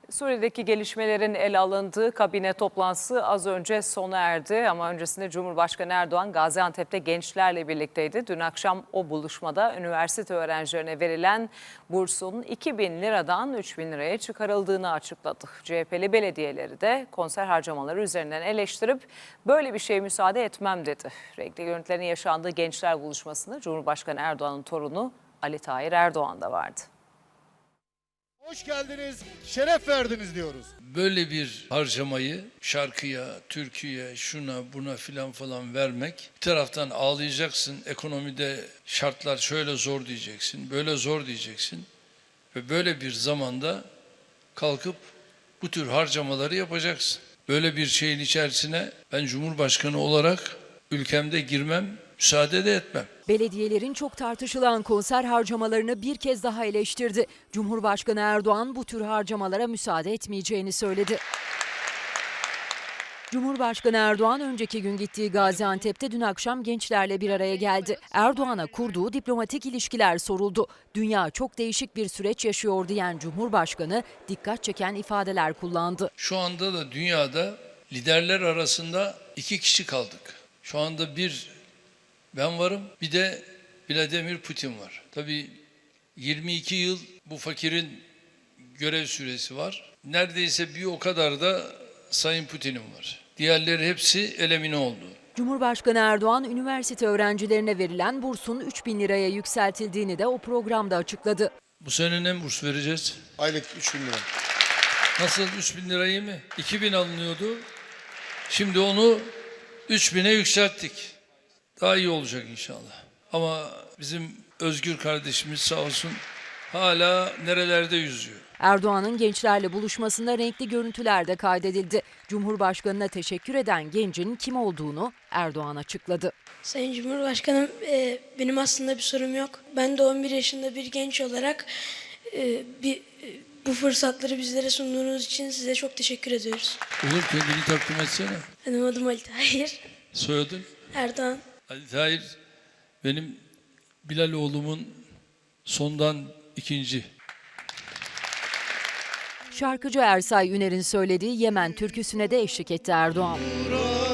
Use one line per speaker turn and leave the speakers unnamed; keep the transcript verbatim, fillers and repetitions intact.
Suriye'deki gelişmelerin ele alındığı kabine toplantısı az önce sona erdi ama öncesinde Cumhurbaşkanı Erdoğan Gaziantep'te gençlerle birlikteydi. Dün akşam o buluşmada üniversite öğrencilerine verilen bursun iki bin liradan üç bin liraya çıkarıldığını açıkladı. C H P'li belediyeleri de konser harcamaları üzerinden eleştirip böyle bir şeye müsaade etmem dedi. Renkli görüntülerin yaşandığı gençler buluşmasında Cumhurbaşkanı Erdoğan'ın torunu Ali Tahir Erdoğan da vardı.
Hoş geldiniz, şeref verdiniz diyoruz.
Böyle bir harcamayı şarkıya, türküye, şuna buna filan falan vermek, bir taraftan ağlayacaksın, ekonomide şartlar şöyle zor diyeceksin, böyle zor diyeceksin ve böyle bir zamanda kalkıp bu tür harcamaları yapacaksın. Böyle bir şeyin içerisine ben Cumhurbaşkanı olarak ülkemde girmem, müsaade de etmem.
Belediyelerin çok tartışılan konser harcamalarını bir kez daha eleştirdi. Cumhurbaşkanı Erdoğan bu tür harcamalara müsaade etmeyeceğini söyledi. Cumhurbaşkanı Erdoğan önceki gün gittiği Gaziantep'te dün akşam gençlerle bir araya geldi. Erdoğan'a kurduğu diplomatik ilişkiler soruldu. Dünya çok değişik bir süreç yaşıyor diyen Cumhurbaşkanı dikkat çeken ifadeler kullandı.
Şu anda da dünyada liderler arasında iki kişi kaldık. Şu anda bir ben varım, bir de Vladimir Putin var. Tabii yirmi iki yıl bu fakirin görev süresi var. Neredeyse bir o kadar da Sayın Putin'in var. Diğerleri hepsi elemine oldu.
Cumhurbaşkanı Erdoğan, üniversite öğrencilerine verilen bursun üç bin liraya yükseltildiğini de o programda açıkladı.
Bu sene ne burs vereceğiz?
Aylık üç bin lira.
Nasıl üç bin lirayı mı? iki bin alınıyordu. Şimdi onu üç bine yükselttik. Daha iyi olacak inşallah. Ama bizim Özgür kardeşimiz sağ olsun hala nerelerde yüzüyor.
Erdoğan'ın gençlerle buluşmasında renkli görüntüler de kaydedildi. Cumhurbaşkanına teşekkür eden gencin kim olduğunu Erdoğan açıkladı.
Sayın Cumhurbaşkanım, e, benim aslında bir sorum yok. Ben de on bir yaşında bir genç olarak e, bir, e, bu fırsatları bizlere sunduğunuz için size çok teşekkür ediyoruz.
Olur, kendini takdim etsene.
Benim adım Ali Tahir
Soyadın?
Erdoğan.
Ali Tahir benim Bilal oğlumun sondan ikinci.
Şarkıcı Ersay Üner'in söylediği Yemen türküsüne de eşlik etti Erdoğan.